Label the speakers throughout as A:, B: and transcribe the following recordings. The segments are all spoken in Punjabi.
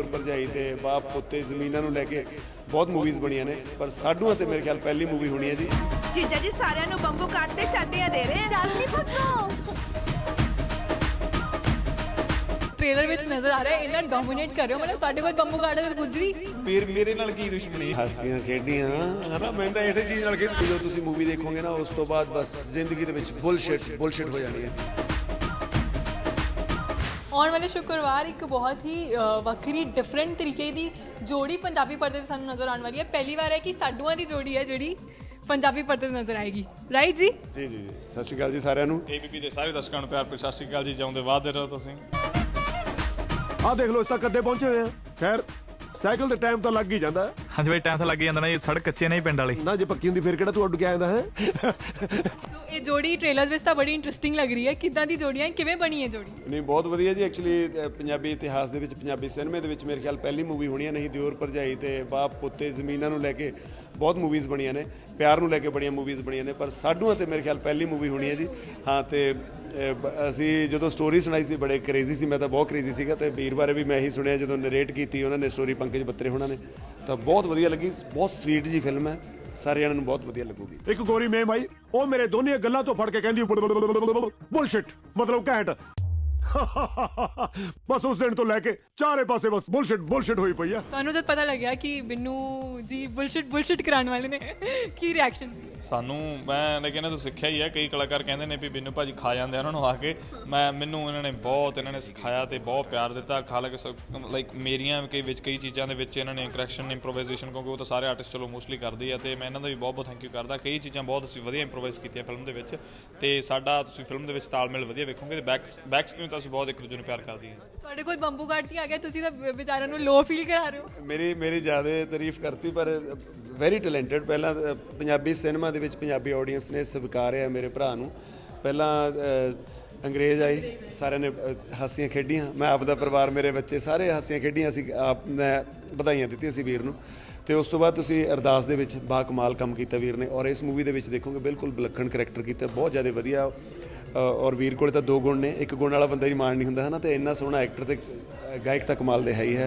A: दियोर भरजाई ते बाप पुत्ते ज़मीनां नूं लैके बहुत मूवीज़ बणियां ने, पर साडूआं ते मेरे ख्याल पहली मूवी होनी है जी।
B: जीजा जी सारिਆਂ ਨੂੰ ਬੰਬੂ ਕੱਟ ਤੇ ਚਾਟੀਆਂ ਦੇ ਰਹੇ ਚੱਲ ਨਹੀਂ ਪੁੱਤੋ।
C: ट्रेलर ਵਿੱਚ ਨਜ਼ਰ ਆ ਰਿਹਾ ਹੈ ਇਹਨਾਂ ਡੋਮੀਨੇਟ ਕਰ ਰਹੇ ਹੋ, ਮਤਲਬ ਤੁਹਾਡੇ ਕੋਲ ਬੰਬੂ ਕਾਟ ਤੇ ਕੁਝ ਵੀ
A: ਵੀਰ ਮੇਰੇ ਨਾਲ ਕੀ ਦੁਸ਼ਮਣੀ, ਹਾਸੀਆਂ ਖੇਡੀਆਂ ਹਨਾ, ਮੈਂ ਤਾਂ ਇਸੇ ਚੀਜ਼ ਨਾਲ ਖੇਡ। ਜਦੋਂ ਤੁਸੀਂ ਮੂਵੀ ਦੇਖੋਗੇ ਨਾ ਉਸ ਤੋਂ ਬਾਅਦ ਬਸ ਜ਼ਿੰਦਗੀ ਦੇ ਵਿੱਚ ਬੁਲਸ਼ਿਟ ਹੋ ਜਾਣੀ ਹੈ।
C: ਆਉਣ ਵਾਲੇ ਸ਼ੁੱਕਰਵਾਰ ਇੱਕ ਬਹੁਤ ਹੀ ਵੱਖਰੀ ਡਿਫਰੈਂਟ ਤਰੀਕੇ ਦੀ ਜੋੜੀ ਪੰਜਾਬੀ ਪਰਦੇ 'ਤੇ ਸਾਨੂੰ ਨਜ਼ਰ ਆਉਣ ਵਾਲੀ ਹੈ। ਪਹਿਲੀ ਵਾਰ ਹੈ ਕਿ ਸਾਡੂਆਂ ਦੀ ਜੋੜੀ ਹੈ ਜਿਹੜੀ ਪੰਜਾਬੀ ਪਰਦੇ 'ਤੇ ਨਜ਼ਰ ਆਏਗੀ, ਰਾਈਟ ਜੀ?
A: ਜੀ ਜੀ, ਸਤਿ ਸ਼੍ਰੀ ਅਕਾਲ ਜੀ ਸਾਰਿਆਂ ਨੂੰ।
D: ABP ਦੇ ਸਾਰੇ ਦਰਸ਼ਕਾਂ ਨੂੰ ਪਿਆਰ ਭਰੀ ਸਤਿ ਸ਼੍ਰੀ ਅਕਾਲ ਜੀ। ਜਿਉਂਦੇ ਵਾਧੇ ਰਹੋ ਤੁਸੀਂ।
E: ਆ ਦੇਖ ਲਓ ਇਸ ਤੱਕ ਕਦੇ ਪਹੁੰਚੇ ਹੋਏ ਆ। ਖੈਰ ਸਾਈਕਲ ਤੇ ਟਾਈਮ ਤਾਂ ਲੱਗ ਹੀ ਜਾਂਦਾ।
F: ਹਾਂਜੀ ਬਾਈ, ਟਾਈਮ ਤਾਂ ਲੱਗ ਹੀ ਜਾਂਦਾ ਨਾ, ਇਹ ਸੜਕ ਕੱਚੇ ਨਹੀਂ ਪਿੰਡ ਵਾਲੀ
E: ਨਾ, ਜੇ ਪੱਕੀ ਹੁੰਦੀ ਫਿਰ ਕਿਹੜਾ ਤੂੰ ਉੱਡ ਕੇ ਆਇਆ ਹੈ।
C: ਇਹ ਜੋੜੀ ਟ੍ਰੇਲਰਸ ਵਿੱਚ ਤਾਂ ਬੜੀ ਇੰਟਰਸਟਿੰਗ ਲੱਗ ਰਹੀ ਹੈ। ਕਿੱਦਾਂ ਦੀ ਜੋੜੀ ਹੈ, ਕਿਵੇਂ ਬਣੀ ਹੈ ਜੋੜੀ?
A: ਨਹੀਂ, ਬਹੁਤ ਵਧੀਆ ਜੀ। ਐਕਚੁਅਲੀ ਪੰਜਾਬੀ ਇਤਿਹਾਸ ਦੇ ਵਿੱਚ, ਪੰਜਾਬੀ ਸਿਨੇਮੇ ਦੇ ਵਿੱਚ ਮੇਰੇ ਖਿਆਲ ਪਹਿਲੀ ਮੂਵੀ ਹੋਣੀ ਹੈ। ਨਹੀਂ ਦਿਓਰ ਭਰਜਾਈ ਤੇ ਬਾਪ ਪੁੱਤੇ ਜ਼ਮੀਨਾਂ ਨੂੰ ਲੈ ਕੇ ਬਹੁਤ ਮੂਵੀਜ਼ ਬਣੀਆਂ ਨੇ, ਪਿਆਰ ਨੂੰ ਲੈ ਕੇ ਬੜੀਆਂ ਮੂਵੀਜ਼ ਬਣੀਆਂ ਨੇ, ਪਰ ਸਾਡੂਆਂ ਤੇ ਮੇਰੇ ਖਿਆਲ ਪਹਿਲੀ ਮੂਵੀ ਹੋਣੀ ਹੈ ਜੀ। ਹਾਂ, ਤੇ ਅਸੀਂ ਜਦੋਂ ਸਟੋਰੀ ਸੁਣਾਈ ਸੀ ਬੜੇ ਕਰੇਜ਼ੀ ਸੀ, ਮੈਂ ਤਾਂ ਬਹੁਤ ਕਰੇਜ਼ੀ ਸੀਗਾ, ਤੇ ਵੀਰ ਬਾਰੇ ਵੀ ਮੈਂ ਇਹੀ ਸੁਣਿਆ ਜਦੋਂ ਨਰੇਟ ਕੀਤੀ ਉਹਨਾਂ ਨੇ ਸਟੋਰੀ, ਪੰਕਜ ਬੱਤਰੇ ਹੋਣਾ ਨੇ, ਤਾਂ ਬਹੁਤ ਵਧੀਆ ਲੱਗੀ। ਬਹੁਤ ਸਵੀਟ ਜੀ ਫਿਲਮ ਹੈ, ਸਾਰੇ ਜਣਿਆਂ ਨੂੰ ਬਹੁਤ ਵਧੀਆ ਲੱਗੂਗੀ।
E: ਇੱਕ ਗੋਰੀ ਮੇਮ ਆਈ, ਉਹ ਮੇਰੇ ਦੋਨੇ ਗੱਲਾਂ ਤੋਂ ਫੜ ਕੇ ਕਹਿੰਦੀ ਬੁਲਸ਼ਿਟ, ਮਤਲਬ ਘੈਂਟ। ਬਸ ਉਸ ਦਿਨ ਤੋਂ ਲੈ ਕੇ ਚਾਰੇ ਪਾਸੇ ਬਸ ਬੁਲਸ਼ਿਟ ਹੋਈ ਪਈ ਆ।
C: ਤੁਹਾਨੂੰ ਜਦ ਪਤਾ ਲੱਗਿਆ ਕਿ ਬਿੰਨੂ ਜੀ ਬੁਲਸ਼ਿਟ ਕਰਾਉਣ ਵਾਲੇ ਨੇ, ਕੀ ਰਿਐਕਸ਼ਨ ਸੀ?
D: ਸਾਨੂੰ ਮੈਂ ਲੇਕਿਨ ਤੂੰ ਸਿੱਖਿਆ ਹੀ ਹੈ, ਕਈ ਕਲਾਕਾਰ ਕਹਿੰਦੇ ਨੇ ਵੀ ਬਿੰਨੂ ਭਾਜੀ ਖਾ ਜਾਂਦੇ ਉਹਨਾਂ ਨੂੰ ਆ ਕੇ। ਮੈਨੂੰ ਇਹਨਾਂ ਨੇ ਸਿਖਾਇਆ ਤੇ ਬਹੁਤ ਪਿਆਰ ਦਿੱਤਾ। ਹਾਲਾਂਕਿ ਲਾਈਕ ਮੇਰੀਆਂ ਕਈ ਚੀਜ਼ਾਂ ਦੇ ਵਿੱਚ ਇਹਨਾਂ ਨੇ ਕਰੈਕਸ਼ਨ, ਇੰਪਰੋਵਾਈਜ਼ੇਸ਼ਨ, ਕਿਉਂਕਿ ਉਹ ਤਾਂ ਸਾਰੇ ਆਰਟਿਸਟ ਚਲੋ ਮੋਸਟਲੀ ਕਰਦੇ ਆ, ਤੇ ਮੈਂ ਇਹਨਾਂ ਦਾ ਵੀ ਬਹੁਤ ਥੈਂਕ ਯੂ ਕਰਦਾ। ਕਈ ਚੀਜ਼ਾਂ ਬਹੁਤ ਅਸੀਂ ਵਧੀਆ ਇੰਪਰੋਵਾਈਜ਼ ਕੀਤੀਆਂ ਫਿਲਮ ਦੇ ਵਿੱਚ, ਤੇ ਸਾਡਾ ਤੁਸੀਂ ਫਿਲਮ ਦੇ ਵਿੱਚ ਤਾਲਮੇਲ ਵਧੀਆ ਵੇਖੋਗੇ। ਤੇ ਬੈਕ ਸਕਰੀਨ ਤਾਂ ਅਸੀਂ ਬਹੁਤ ਇੱਕ ਦੂਜੇ ਨੂੰ ਪਿਆਰ ਕਰਦੀ ਹਾਂ।
C: ਤੁਹਾਡੇ ਕੋਲ ਬੰਬੂ ਕਾਟ ਆ ਗਿਆ, ਤੁਸੀਂ ਤਾਂ ਵਿਚਾਰਿਆਂ ਨੂੰ ਲੋ ਫੀਲ ਕਰਾ ਰਹੇ ਹੋ।
A: ਮੇਰੀ ਜ਼ਿਆਦਾ ਤਾਰੀਫ ਕਰਤੀ, ਪਰ ਵੈਰੀ ਟੈਲੈਂਟਡ। ਪਹਿਲਾਂ ਪੰਜਾਬੀ ਸਿਨੇਮਾ ਦੇ ਵਿੱਚ ਪੰਜਾਬੀ ਆਡੀਅנס ਨੇ ਸਵੀਕਾਰਿਆ ਮੇਰੇ ਭਰਾ ਨੂੰ। ਪਹਿਲਾਂ ਅੰਗਰੇਜ਼ ਆਈ, ਸਾਰਿਆਂ ਨੇ ਹਾਸੀਆਂ ਖੇਡੀਆਂ, ਮੈਂ ਆਪਦਾ ਪਰਿਵਾਰ, ਮੇਰੇ ਬੱਚੇ ਸਾਰੇ ਹਾਸੀਆਂ ਖੇਡੀਆਂ। ਅਸੀਂ ਮੈਂ ਵਧਾਈਆਂ ਦਿੱਤੀਆਂ ਸੀ ਵੀਰ ਨੂੰ। ਤੇ ਉਸ ਤੋਂ ਬਾਅਦ ਤੁਸੀਂ ਅਰਦਾਸ ਦੇ ਵਿੱਚ ਬਾ ਕਮਾਲ ਕੰਮ ਕੀਤਾ ਵੀਰ ਨੇ, ਔਰ ਇਸ ਮੂਵੀ ਦੇ ਵਿੱਚ ਦੇਖੋਗੇ ਬਿਲਕੁਲ ਵਿਲੱਖਣ ਕਰੈਕਟਰ ਕੀਤਾ, ਬਹੁਤ ਜ਼ਿਆਦਾ ਵਧੀਆ। ਔਰ ਵੀਰ ਕੋਲੇ ਤਾਂ ਦੋ ਗੁਣ ਨੇ, ਇੱਕ ਗੁਣ ਵਾਲਾ ਬੰਦਾ ਹੀ ਮਾਣ ਨਹੀਂ ਹੁੰਦਾ ਹੈ ਨਾ, ਤੇ ਇੰਨਾ ਸੋਹਣਾ ਐਕਟਰ ਤੇ ਗਾਇਕ ਤਾਂ ਕਮਾਲ ਦੇ ਹੈ ਹੀ ਹੈ।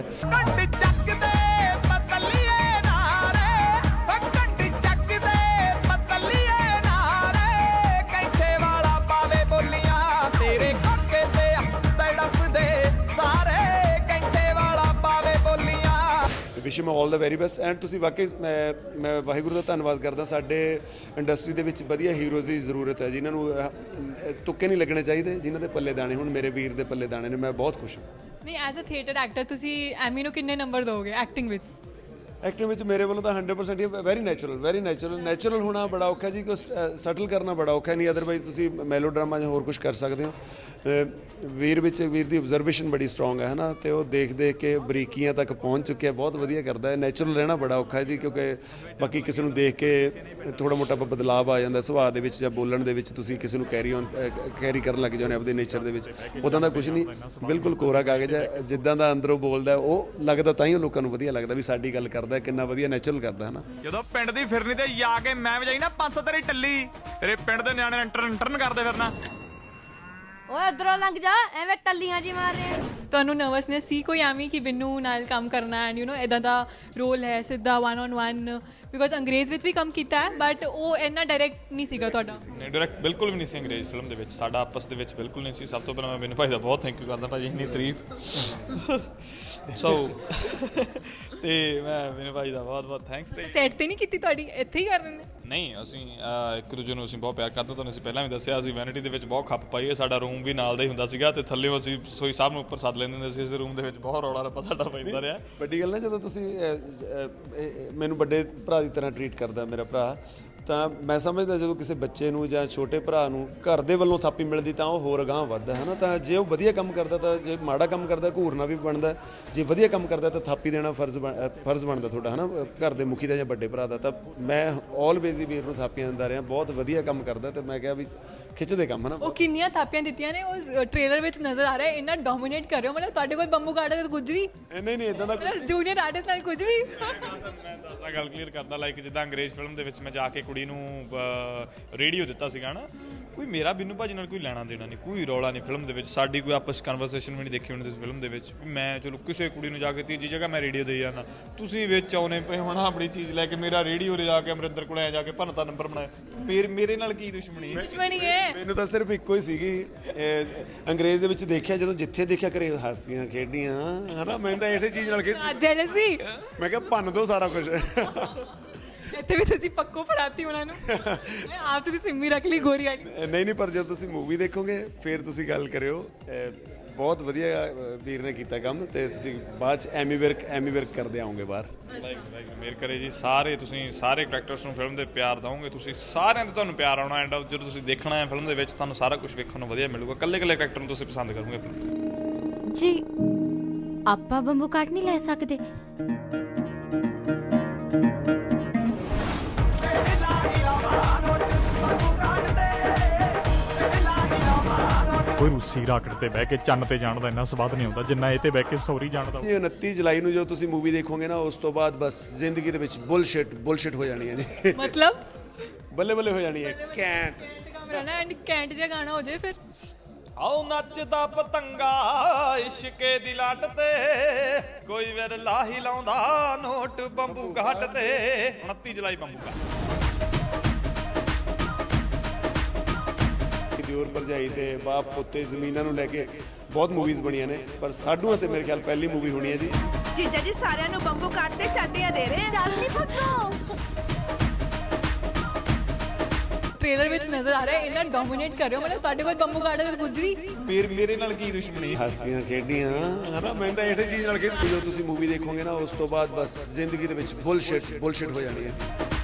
A: ਵਿਸ਼ ਮੈਂ all the very best. And ਤੁਸੀਂ ਵਾਕਈ ਮੈਂ ਵਾਹਿਗੁਰੂ ਦਾ ਧੰਨਵਾਦ ਕਰਦਾ। ਸਾਡੇ ਇੰਡਸਟਰੀ ਦੇ ਵਿੱਚ ਵਧੀਆ ਹੀਰੋਜ਼ ਦੀ ਜ਼ਰੂਰਤ ਹੈ, ਜਿਨ੍ਹਾਂ ਨੂੰ ਤੁੱਕੇ ਨਹੀਂ ਲੱਗਣੇ ਚਾਹੀਦੇ, ਜਿਨ੍ਹਾਂ ਦੇ ਪੱਲੇ ਦਾਣੇ। ਹੁਣ ਮੇਰੇ ਵੀਰ ਦੇ ਪੱਲੇ ਦਾਣੇ ਨੇ, ਮੈਂ ਬਹੁਤ ਖੁਸ਼ ਹਾਂ।
C: ਨਹੀਂ, ਐਜ਼ ਅ ਥੀਏਟਰ ਐਕਟਰ ਤੁਸੀਂ ਐਮੀ ਨੂੰ ਕਿੰਨੇ ਨੰਬਰ ਦਿਓਗੇ ਐਕਟਿੰਗ ਵਿੱਚ?
A: ਐਕਟਿੰਗ ਵਿੱਚ ਮੇਰੇ ਵੱਲੋਂ ਤਾਂ 100% ਹੀ ਵੈਰੀ ਨੈਚੁਰਲ ਹੋਣਾ ਬੜਾ ਔਖਾ ਜੀ, ਕੋਈ ਸਟਲ ਕਰਨਾ ਬੜਾ ਔਖਾ। ਨਹੀਂ ਅਦਰਵਾਈਜ਼ ਤੁਸੀਂ ਮੈਲੋ ਡਰਾਮਾ ਜਾਂ ਹੋਰ ਕੁਝ ਕਰ ਸਕਦੇ ਹੋ। ਵੀਰ ਦੀ ਆਬਜ਼ਰਵੇਸ਼ਨ ਬੜੀ ਸਟਰੋਂਗ ਹੈ ਨਾ, ਤੇ ਉਹ ਦੇਖ ਕੇ ਬਰੀਕੀਆਂ ਤੱਕ ਪਹੁੰਚ ਚੁੱਕਿਆ, ਬਹੁਤ ਵਧੀਆ ਕਰਦਾ ਹੈ। ਨੈਚੁਰਲ ਰਹਿਣਾ ਬੜਾ ਔਖਾ ਹੈ ਜੀ, ਕਿਉਂਕਿ ਬਾਕੀ ਕਿਸੇ ਨੂੰ ਦੇਖ ਕੇ ਥੋੜ੍ਹਾ ਮੋਟਾ ਬਦਲਾਵ ਆ ਜਾਂਦਾ ਸੁਭਾਅ ਦੇ ਵਿੱਚ ਜਾਂ ਬੋਲਣ ਦੇ ਵਿੱਚ। ਤੁਸੀਂ ਕਿਸੇ ਨੂੰ ਕੈਰੀ ਕਰਨ ਲੱਗ ਜਾਂਦੇ ਆਪਣੇ ਨੇਚਰ ਦੇ ਵਿੱਚ, ਉੱਦਾਂ ਦਾ ਕੁਝ ਨਹੀਂ, ਬਿਲਕੁਲ ਕੋਰਾ ਕਾਗਜ਼ ਹੈ। ਜਿੱਦਾਂ ਦਾ ਅੰਦਰੋਂ ਬੋਲਦਾ ਉਹ ਲੱਗਦਾ, ਤਾਂ ਹੀ ਉਹ ਲੋਕਾਂ ਨੂੰ ਵਧੀਆ ਲੱਗਦਾ ਵੀ ਸਾਡੀ ਗੱਲ ਕਰਦਾ, ਕਿੰਨਾ ਵਧੀਆ ਨੈਚੁਰਲ ਕਰਦਾ ਹੈ ਨਾ।
F: ਜਦੋਂ ਪਿੰਡ ਦੀ ਫਿਰਨੀ ਤੇ ਜਾ ਕੇ ਮੈਂ ਵਜਾਈ ਨਾ 500 ਤੇਰੀ ਟੱਲੀ, ਤੇਰੇ ਪਿੰਡ ਦੇ ਨਿਆਣੇ ਇੰਟਰਨ ਕਰਦੇ ਫਿਰਨਾ।
G: ਓਏ ਉਧਰੋਂ ਲੰਘ ਜਾ, ਐਵੇਂ ਟੱਲੀਆਂ ਜੀ ਮਾਰ ਰਹੇ।
C: ਤੁਹਾਨੂੰ ਨਰਵਸਨੈਸ ਸੀ ਕੋਈ ਐਵੇਂ ਕਿ ਬਿੰਨੂ ਨਾਲ ਕੰਮ ਕਰਨਾ, ਐਂਡ ਇਦਾਂ ਦਾ ਰੋਲ ਹੈ ਸਿੱਧਾ 1-on-1? ਬਿਕੋਜ਼ ਅੰਗਰੇਜ਼ ਵਿੱਚ ਵੀ ਕੰਮ ਕੀਤਾ ਹੈ, ਬਟ ਉਹ ਇੰਨਾ ਡਾਇਰੈਕਟ ਨਹੀਂ ਸੀਗਾ ਤੁਹਾਡਾ।
D: ਨਹੀਂ, ਡਾਇਰੈਕਟ ਬਿਲਕੁਲ ਵੀ ਨਹੀਂ ਸੀ ਅੰਗਰੇਜ਼ ਫਿਲਮ ਦੇ ਵਿੱਚ, ਸਾਡਾ ਆਪਸ ਦੇ ਵਿੱਚ ਬਿਲਕੁਲ ਨਹੀਂ ਸੀ। ਸਭ ਤੋਂ ਪਹਿਲਾਂ ਮੈਂ ਬਿੰਨੂ ਭਾਈ ਦਾ ਬਹੁਤ ਥੈਂਕ ਯੂ ਕਰਦਾ, ਭਾਜੀ ਇੰਨੀ ਤਾਰੀਫ। ਤੇ ਮੈਂ ਬਿੰਨੂ ਭਾਈ ਦਾ ਬਹੁਤ ਥੈਂਕਸ।
C: ਸੈਟ ਤੇ ਨਹੀਂ ਕੀਤੀ ਤੁਹਾਡੀ, ਇੱਥੇ ਹੀ ਕਰ ਰਹੇ ਨੇ?
D: ਨਹੀਂ, ਅਸੀਂ ਇੱਕ ਦੂਜੇ ਨੂੰ ਅਸੀਂ ਬਹੁਤ ਪਿਆਰ ਕਰਦੇ। ਤੁਹਾਨੂੰ ਅਸੀਂ ਪਹਿਲਾਂ ਵੀ ਦੱਸਿਆ, ਅਸੀਂ ਵੈਨਿਟੀ ਦੇ ਵਿੱਚ ਬਹੁਤ ਖੱਪ ਪਾਈ ਹੈ। ਸਾਡਾ ਰੂਮ ਵੀ ਨਾਲ ਦਾ ਹੀ ਹੁੰਦਾ ਸੀਗਾ, ਤੇ ਥੱਲੇ ਅਸੀਂ ਰਸੋਈ ਸਾਹਿਬ ਨੂੰ ਉੱਪਰ ਸੱਦ ਲੈਂਦੇ ਹੁੰਦੇ ਸੀ। ਇਸ ਰੂਮ ਦੇ ਵਿੱਚ ਬਹੁਤ ਰੌਲਾ ਰੱਪਾ ਸਾਡਾ ਪੈਂਦਾ ਰਿਹਾ।
A: ਵੱਡੀ ਗੱਲ ਨਾ, ਜਦੋਂ ਤੁਸੀਂ ਮੈਨੂੰ ਵੱਡੇ ਭਰਾ ਦੀ ਤਰ੍ਹਾਂ ਟਰੀਟ ਕਰਦਾ ਮੇਰਾ ਭਰਾ, ਤਾਂ ਮੈਂ ਸਮਝਦਾ ਜਦੋਂ ਕਿਸੇ ਬੱਚੇ ਨੂੰ ਜਾਂ ਛੋਟੇ ਭਰਾ ਨੂੰ ਘਰ ਦੇ ਵੱਲੋਂ ਥਾਪੀ ਮਿਲਦੀ ਤਾਂ ਉਹ ਹੋਰ ਅਗਾਂਹ ਵੱਧਦਾ ਹੈ ਨਾ। ਤਾਂ ਜੇ ਉਹ ਵਧੀਆ ਕੰਮ ਕਰਦਾ, ਤਾਂ ਜੇ ਮਾੜਾ ਕੰਮ ਕਰਦਾ ਘੂਰਨਾ ਵੀ ਬਣਦਾ, ਜੇ ਵਧੀਆ ਕੰਮ ਕਰਦਾ ਤਾਂ ਥਾਪੀ ਦੇਣਾ ਫਰਜ਼ ਬਣਦਾ ਤੁਹਾਡਾ ਹੈ ਨਾ, ਘਰ ਦੇ ਮੁਖੀ ਦਾ ਜਾਂ ਵੱਡੇ ਭਰਾ ਦਾ। ਤਾਂ ਮੈਂ ਆਲਵੇਜ਼ ਹੀ ਵੀਰ ਨੂੰ ਥਾਪੀਆਂ ਦਿੰਦਾ ਰਿਹਾ, ਬਹੁਤ ਵਧੀਆ ਕੰਮ ਕਰਦਾ, ਤੇ ਮੈਂ ਕਿਹਾ ਵੀ ਖਿੱਚਦੇ ਕੰਮ ਹੈ ਨਾ।
C: ਉਹ ਕਿੰਨੀਆਂ ਥਾਪੀਆਂ ਦਿੱਤੀਆਂ ਨੇ ਉਹ ਟ੍ਰੇਲਰ ਵਿੱਚ ਨਜ਼ਰ ਆ ਰਿਹਾ, ਇੰਨਾ ਡੋਮੀਨੇਟ ਕਰ ਰਹੇ ਹੋ, ਮਤਲਬ ਤੁਹਾਡੇ ਕੋਲ ਬੰਬੂ ਕਾਟ ਤੇ ਕੁਝ ਵੀ
A: ਨਹੀਂ ਇਦਾਂ ਦਾ
C: ਜੂਨੀਅਰ ਆਰਟਿਸਟ ਨਾਲ ਕੁਝ ਵੀ।
D: ਮੈਂ ਦੱਸਾਂ, ਗੱਲ ਕਲੀਅਰ ਕਰਦਾ, ਲਾਈਕ ਜਿੱਦਾਂ ਅੰਗਰੇਜ਼ ਫਿਲਮ ਦੇ ਵਿੱਚ ਮੈਂ ਜਾ ਕੇ ਕੁੜੀ ਨੂੰ ਰੇਡੀਓ ਦਿੱਤਾ ਸੀਗਾ ਨਾ, ਕੋਈ ਮੇਰਾ ਬਿੰਨੂ ਭਾਜੀ ਨਾਲ ਕੋਈ ਲੈਣਾ ਦੇਣਾ ਨਹੀਂ, ਕੋਈ ਰੌਲਾ ਨਹੀਂ ਫਿਲਮ ਦੇ ਵਿੱਚ, ਸਾਡੀ ਕੋਈ ਆਪਸ ਕਨਵਰਸੇਸ਼ਨ ਵੀ ਨਹੀਂ ਦੇਖੀ ਹੋਣੀ ਤੁਸੀਂ ਫਿਲਮ ਦੇ ਵਿੱਚ ਵੀ ਮੈਂ ਚਲੋ ਕਿਸੇ ਕੁੜੀ ਨੂੰ ਜਾ ਕੇ ਤੀਜੀ ਜਗ੍ਹਾ ਮੈਂ ਰੇਡੀਓ ਦੇ ਜਾਣਾ, ਤੁਸੀਂ ਵਿੱਚ ਆਉਣੇ ਪਏ ਹੋਣਾ ਆਪਣੀ ਚੀਜ਼ ਲੈ ਕੇ, ਮੇਰਾ ਰੇਡੀਓ 'ਤੇ ਜਾ ਕੇ ਅਮਰਿੰਦਰ ਕੋਲ ਐ ਜਾ ਕੇ ਭੰਨਤਾ ਨੰਬਰ ਬਣਾਇਆ, ਮੇਰੇ ਨਾਲ ਕੀ ਦੁਸ਼ਮਣੀ ਹੈ?
C: ਦੁਸ਼ਮਣੀ ਹੈ
A: ਮੈਨੂੰ ਤਾਂ ਸਿਰਫ ਇੱਕੋ ਹੀ ਸੀਗੀ, ਅੰਗਰੇਜ਼ ਦੇ ਵਿੱਚ ਦੇਖਿਆ, ਜਦੋਂ ਜਿੱਥੇ ਦੇਖਿਆ ਕਰੇ ਹਾਸੀਆਂ ਖੇਡੀਆਂ ਹਨਾ, ਮੈਂ ਤਾਂ ਇਸੇ ਚੀਜ਼ ਨਾਲ
C: ਜੈਲਸੀ
A: ਮੈਂ ਕਿਹਾ ਭੰਨ ਦੋ ਸਾਰਾ ਕੁਝ।
C: ਇੱਥੇ ਵੀ ਤੁਸੀਂ ਪੱਕੋ ਫੜਾਤੀ ਉਹਨਾਂ ਨੂੰ, ਆਪ ਤੁਸੀਂ ਸਿੰਮੀ ਰੱਖ ਲਈ ਗੋਰੀ ਵਾਲੀ।
A: ਨਹੀਂ ਪਰ ਜਦੋਂ ਤੁਸੀਂ ਮੂਵੀ ਦੇਖੋਗੇ ਫਿਰ ਤੁਸੀਂ ਗੱਲ ਕਰਿਓ, ਬਹੁਤ ਵਧੀਆ ਵੀਰ ਨੇ ਕੀਤਾ ਕੰਮ, ਤੇ ਤੁਸੀਂ ਬਾਅਦ ਚ ਐਮੀ ਵਿਰਕ ਕਰਦੇ ਆਓਗੇ ਬਾਹਰ।
D: ਮੇਰ ਕਰੇ ਜੀ, ਸਾਰੇ ਤੁਸੀਂ ਸਾਰੇ ਕਰੈਕਟਰਸ ਨੂੰ ਫਿਲਮ ਦੇ ਪਿਆਰ ਦਿਓਗੇ, ਤੁਸੀਂ ਸਾਰਿਆਂ ਨੂੰ ਤੁਹਾਨੂੰ ਪਿਆਰ ਆਉਣਾ, ਐਂਡ ਜਦੋਂ ਤੁਸੀਂ ਦੇਖਣਾ ਹੈ ਫਿਲਮ ਦੇ ਵਿੱਚ ਤੁਹਾਨੂੰ ਸਾਰਾ ਕੁਝ ਵੇਖਣ ਨੂੰ ਵਧੀਆ ਮਿਲੂਗਾ, ਇਕੱਲੇ ਕਰੈਕਟਰ ਨੂੰ ਤੁਸੀਂ ਪਸੰਦ ਕਰੋਗੇ ਫਿਲਮ
G: ਜੀ। ਆਪਾਂ ਬੰਬੂ ਕਾਟ ਨਹੀਂ ਲੈ ਸਕਦੇ?
F: ਕੋਈ ਰੂਸੀ ਰਾਕਟ ਤੇ ਬਹਿ ਕੇ ਚੰਨ ਤੇ ਜਾਣ ਦਾ ਇੰਨਾ ਸਵਾਦ ਨਹੀਂ ਆਉਂਦਾ ਜਿੰਨਾ ਇਹ ਤੇ ਬਹਿ ਕੇ ਸੌਰੀ ਜਾਣ ਦਾ।
A: 29 ਜੁਲਾਈ ਨੂੰ ਜੋ ਤੁਸੀਂ ਮੂਵੀ ਦੇਖੋਗੇ ਨਾ, ਉਸ ਤੋਂ ਬਾਅਦ ਬਸ ਜ਼ਿੰਦਗੀ ਦੇ ਵਿੱਚ ਬੁਲਸ਼ਿਟ ਹੋ ਜਾਣੀ ਹੈ ਜੀ।
C: ਮਤਲਬ
A: ਬੱਲੇ ਬੱਲੇ ਹੋ ਜਾਣੀ ਹੈ, ਕੈਂਟ
C: ਕੈਮਰਾ ਨਾ ਐਂਡ ਕੈਂਟ ਜਿਹਾ ਗਾਣਾ ਹੋ ਜਾਏ ਫਿਰ।
D: ਆਓ ਨੱਚਦਾ ਪਤੰਗਾ ਇਸ਼ਕੇ ਦੀ ਲੱਟ ਤੇ, ਕੋਈ ਵਿਰਲਾ ਹੀ ਲਾਉਂਦਾ ਨੋਟ ਬੰਬੂ ਘਾਟ ਤੇ। 29 ਜੁਲਾਈ ਬੰਬੂ ਘਾਟ।
A: ਦਿਓਰ ਭਰਜਾਈ ਤੇ ਬਾਪ ਪੁੱਤੇ ਜ਼ਮੀਨਾਂ ਨੂੰ ਲੈ ਕੇ ਬਹੁਤ ਮੂਵੀਜ਼ ਬਣੀਆਂ ਨੇ, ਪਰ ਸਾਡੂਆਂ ਤੇ ਮੇਰੇ ਖਿਆਲ ਪਹਿਲੀ ਮੂਵੀ ਹੋਣੀ ਹੈ ਜੀ।
B: ਜੀਜਾ ਜੀ ਸਾਰਿਆਂ ਨੂੰ ਬੰਬੂ ਕਾਟ ਤੇ ਚਾਟੀਆਂ ਦੇ ਰਹੇ।
G: ਚੱਲ ਨੀ ਪੁੱਤੋ।
C: ਟ੍ਰੇਲਰ ਵਿੱਚ ਨਜ਼ਰ ਆ ਰਿਹਾ ਇਹਨਾਂ ਡੋਮੀਨੇਟ ਕਰ ਰਹੇ ਹੋ, ਮਤਲਬ ਤੁਹਾਡੇ ਕੋਲ ਬੰਬੂ ਕਾਟ ਦੇ ਕੁਝ ਵੀ।
D: ਮੇਰੇ ਨਾਲ ਕੀ ਦੁਸ਼ਮਣੀ?
A: ਹਾਸੀਆਂ ਖੇਡੀਆਂ ਹਨਾ, ਮੈਂ ਤਾਂ ਇਸੇ ਚੀਜ਼ ਨਾਲ ਜਦੋਂ ਤੁਸੀਂ ਮੂਵੀ ਦੇਖੋਗੇ ਨਾ, ਉਸ ਤੋਂ ਬਾਅਦ ਬਸ ਜ਼ਿੰਦਗੀ ਦੇ ਵਿੱਚ ਬੁਲਸ਼ਿਟ ਹੋ ਜਾਣੀ ਹੈ।